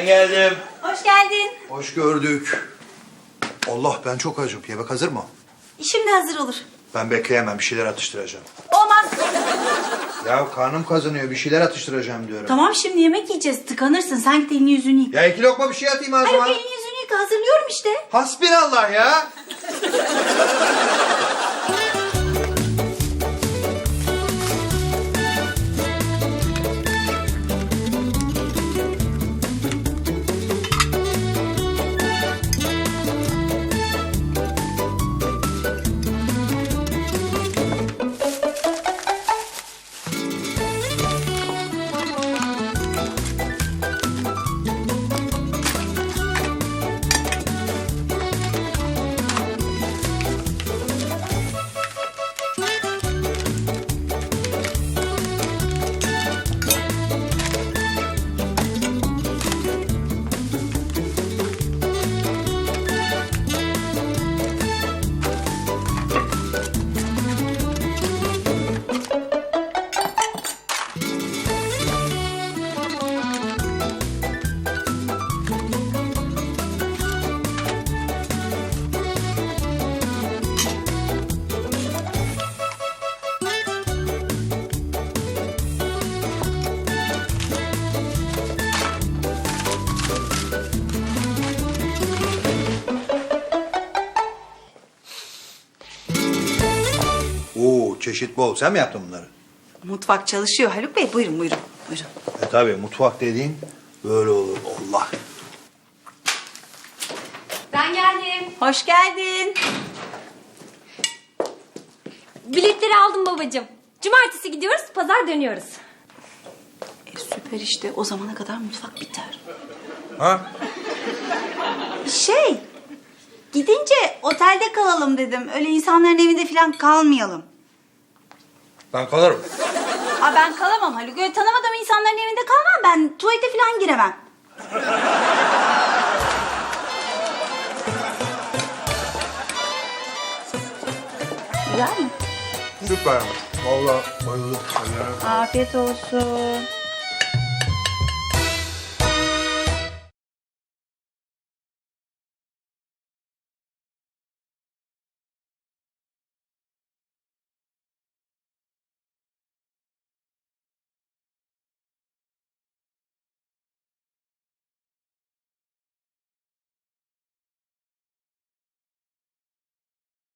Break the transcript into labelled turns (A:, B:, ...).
A: geldim.
B: Hoş geldin.
C: Hoş gördük. Allah, ben çok acım. Yemek hazır mı?
B: Şimdi hazır olur.
C: Ben bekleyemem. Bir şeyler atıştıracağım.
B: Olmaz.
C: Ya karnım kazanıyor. Bir şeyler atıştıracağım diyorum.
B: Tamam şimdi yemek yiyeceğiz. Tıkanırsın. Sen git elini yüzünü yıka.
C: Ya 2 lokma bir şey atayım ağzıma.
B: Hayır elini yüzünü yıka. Hazırlıyorum işte.
C: Hasbinallah ya. Oo, çeşit bol. Sen mi yaptın bunları?
B: Mutfak çalışıyor Haluk Bey. Buyurun buyurun. Buyurun.
C: Tabii, mutfak dediğin böyle olur. Allah.
D: Ben geldim.
B: Hoş geldin.
D: Biletleri aldım babacığım. Cumartesi gidiyoruz, pazar dönüyoruz.
B: Süper işte. O zamana kadar mutfak biter.
C: Ha?
B: Gidince otelde kalalım dedim. Öyle insanların evinde falan kalmayalım.
C: Ben kalırım.
B: Aa, ben kalamam Haluk. Öyle tanımadığım insanların evinde kalmam. Ben tuvalete falan giremem. Güzel mi?
C: Süper. Vallahi bayıldım.
B: Afiyet olsun.